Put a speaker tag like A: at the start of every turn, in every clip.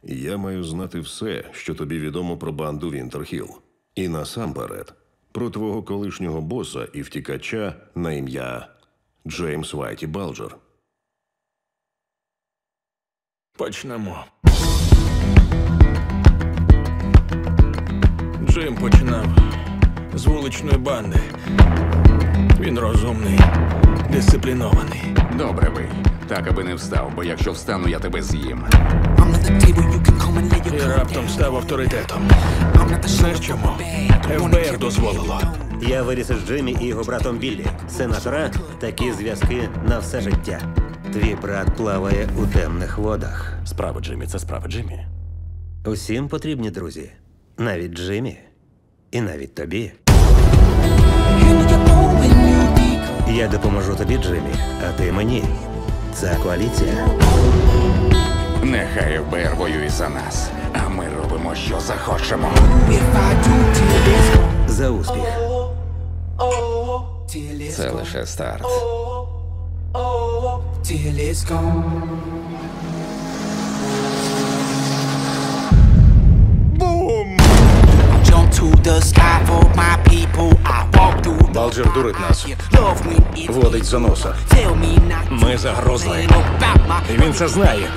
A: Я маю знати все, що тобі відомо про банду Вінтерхілл. І насамперед, про твого колишнього боса і втікача на ім'я Джеймс Вайті Балджер.
B: Почнемо. Джим починав з вуличної банди. Він розумний, дисциплінований.
C: Добре ви. Так, аби не встав, бо якщо встану, я тебе з'їм.
B: І раптом став авторитетом. Знаєш чому? ФБР дозволило.
D: Я виріс із Джиммі і його братом Біллі. Сенатора – такі зв'язки на все життя. Твій брат плаває у темних водах.
E: Справа Джиммі – це справа Джиммі.
D: Усім потрібні друзі. Навіть Джиммі. І навіть тобі. Я допоможу тобі, Джиммі, а ти мені. Це коаліція.
C: Нехай ФБР воює за нас, а ми робимо, що захочемо.
D: За успіх.
C: Це лише старт.
F: Балджер дурить нас. Водить за носа. Ми загрозли. І він це знає.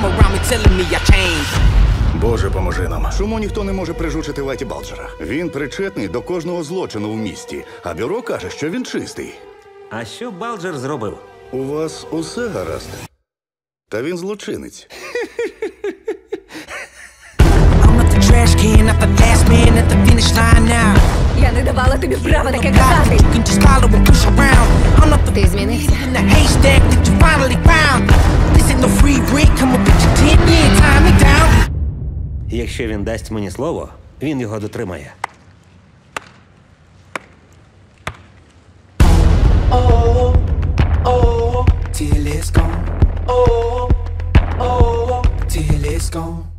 F: Боже, поможи нам.
G: Чому ніхто не може прижучити Вайті Балджера? Він причетний до кожного злочину в місті, а бюро каже, що він чистий.
D: А що Балджер зробив?
G: У вас усе гаразд. Та він злочинець.
H: Я не давала тобі права таке казати. Ти змінився.
D: Якщо він дасть мені слово, він його дотримає.
I: Till it's gone. Till it's gone.